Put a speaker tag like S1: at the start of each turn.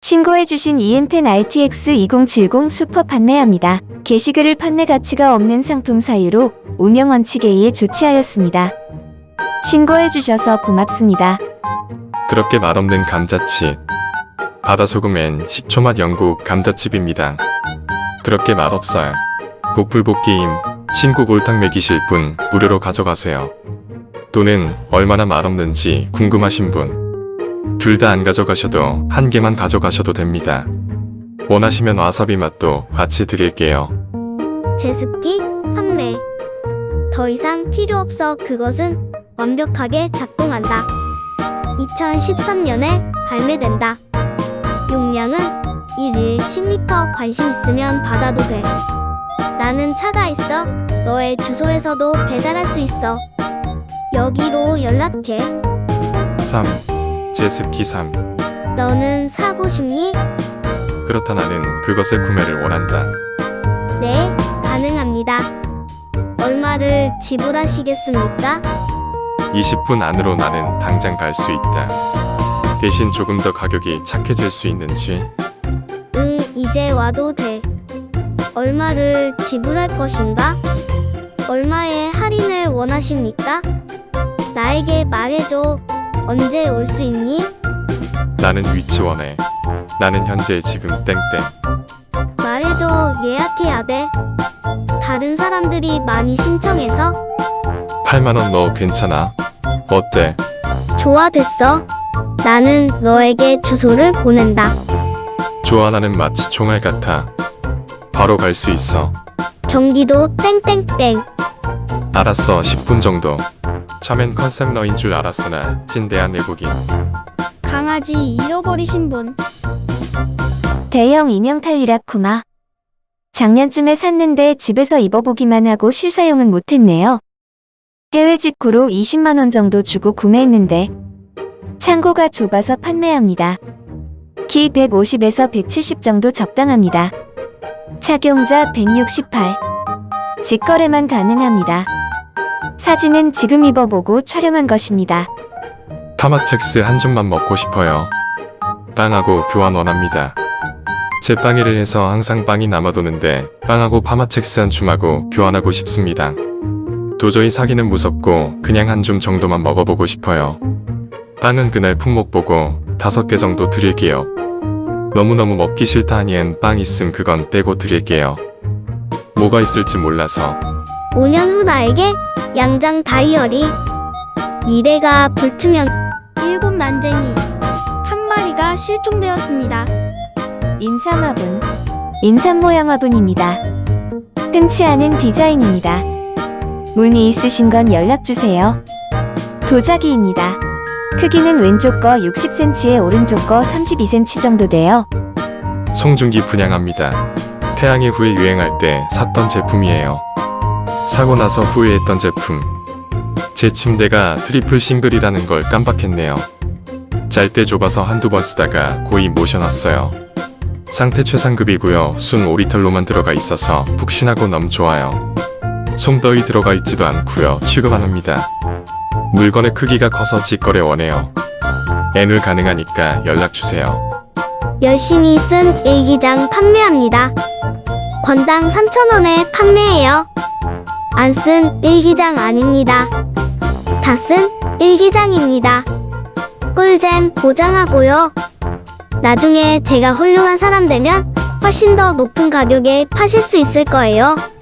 S1: 신고해주신 EM10 RTX 2070 슈퍼 판매합니다. 게시글을 판매 가치가 없는 상품 사유로 운영 원칙에 의해 조치하였습니다. 신고해주셔서 고맙습니다.
S2: 그렇게 맛없는 감자칩. 바다소금엔 식초맛 영국 감자칩입니다. 그렇게 맛없어요. 복불복게임 신고 골탕 먹이실 분 무료로 가져가세요. 또는 얼마나 맛없는지 궁금하신 분 둘 다 안 가져가셔도 한 개만 가져가셔도 됩니다. 원하시면 와사비 맛도 같이 드릴게요.
S3: 제습기 판매. 더 이상 필요 없어. 그것은 완벽하게 작동한다. 2013년에 발매된다. 용량은 1일 10리터. 관심 있으면 받아도 돼. 나는 차가 있어. 너의 주소에서도 배달할 수 있어. 여기로 연락해.
S2: 3. 제습기 3.
S3: 너는 사고 싶니?
S2: 그렇다 나는 그것의 구매를 원한다.
S3: 네, 가능합니다. 얼마를 지불하시겠습니까?
S2: 20분 안으로 나는 당장 갈 수 있다. 대신 조금 더 가격이 착해질 수 있는지.
S3: 응, 이제 와도 돼. 얼마를 지불할 것인가? 얼마의 할인을 원하십니까? 나에게 말해줘. 언제 올 수 있니?
S2: 나는 위치 원해. 나는 현재 지금 땡땡.
S3: 말해줘. 예약해야 돼. 다른 사람들이 많이 신청해서.
S2: 8만원 너 괜찮아? 어때?
S3: 좋아, 됐어. 나는 너에게 주소를 보낸다.
S2: 좋아 나는 마치 총알 같아. 바로 갈 수 있어.
S3: 경기도 땡땡땡.
S2: 알았어 10분 정도. 처음엔 컨셉러인 줄 알았으나 찐대한 외국인.
S4: 강아지 잃어버리신 분.
S1: 대형 인형 탈리라쿠마. 작년쯤에 샀는데 집에서 입어보기만 하고 실사용은 못했네요. 해외 직구로 20만원 정도 주고 구매했는데 창고가 좁아서 판매합니다. 키 150에서 170 정도 적당합니다. 착용자 168. 직거래만 가능합니다. 사진은 지금 입어보고 촬영한 것입니다.
S2: 파마첵스 한 줌만 먹고 싶어요. 빵하고 교환 원합니다. 제 빵이를 해서 항상 빵이 남아도는데 빵하고 파마첵스 한 줌하고 교환하고 싶습니다. 도저히 사기는 무섭고 그냥 한 줌 정도만 먹어보고 싶어요. 빵은 그날 품목 보고 5개 정도 드릴게요. 너무너무 먹기 싫다 하니엔 빵 있음 그건 빼고 드릴게요. 뭐가 있을지 몰라서.
S3: 5년 후 나에게 양장 다이어리. 미래가 불투명.
S4: 7 난쟁이. 한 마리가 실종되었습니다.
S1: 인삼화분. 인삼 모양 화분입니다. 흔치 않은 디자인입니다. 문의 있으신 건 연락주세요. 도자기입니다. 크기는 왼쪽 거 60cm에 오른쪽 거 32cm 정도 돼요.
S2: 송중기 분양합니다. 태양의 후에 유행할 때 샀던 제품이에요. 사고 나서 후회했던 제품. 제 침대가 트리플 싱글이라는 걸 깜빡했네요. 잘 때 좁아서 한두 번 쓰다가 고이 모셔놨어요. 상태 최상급이고요. 순 오리털로만 들어가 있어서 푹신하고 너무 좋아요. 솜더위 들어가 있지도 않고요. 취급 안 합니다. 물건의 크기가 커서 직거래 원해요. N을 가능하니까 연락주세요.
S3: 열심히 쓴 일기장 판매합니다. 건당 3,000원에 판매해요. 안 쓴 일기장 아닙니다. 다 쓴 일기장입니다. 꿀잼 보장하고요. 나중에 제가 훌륭한 사람 되면 훨씬 더 높은 가격에 파실 수 있을 거예요.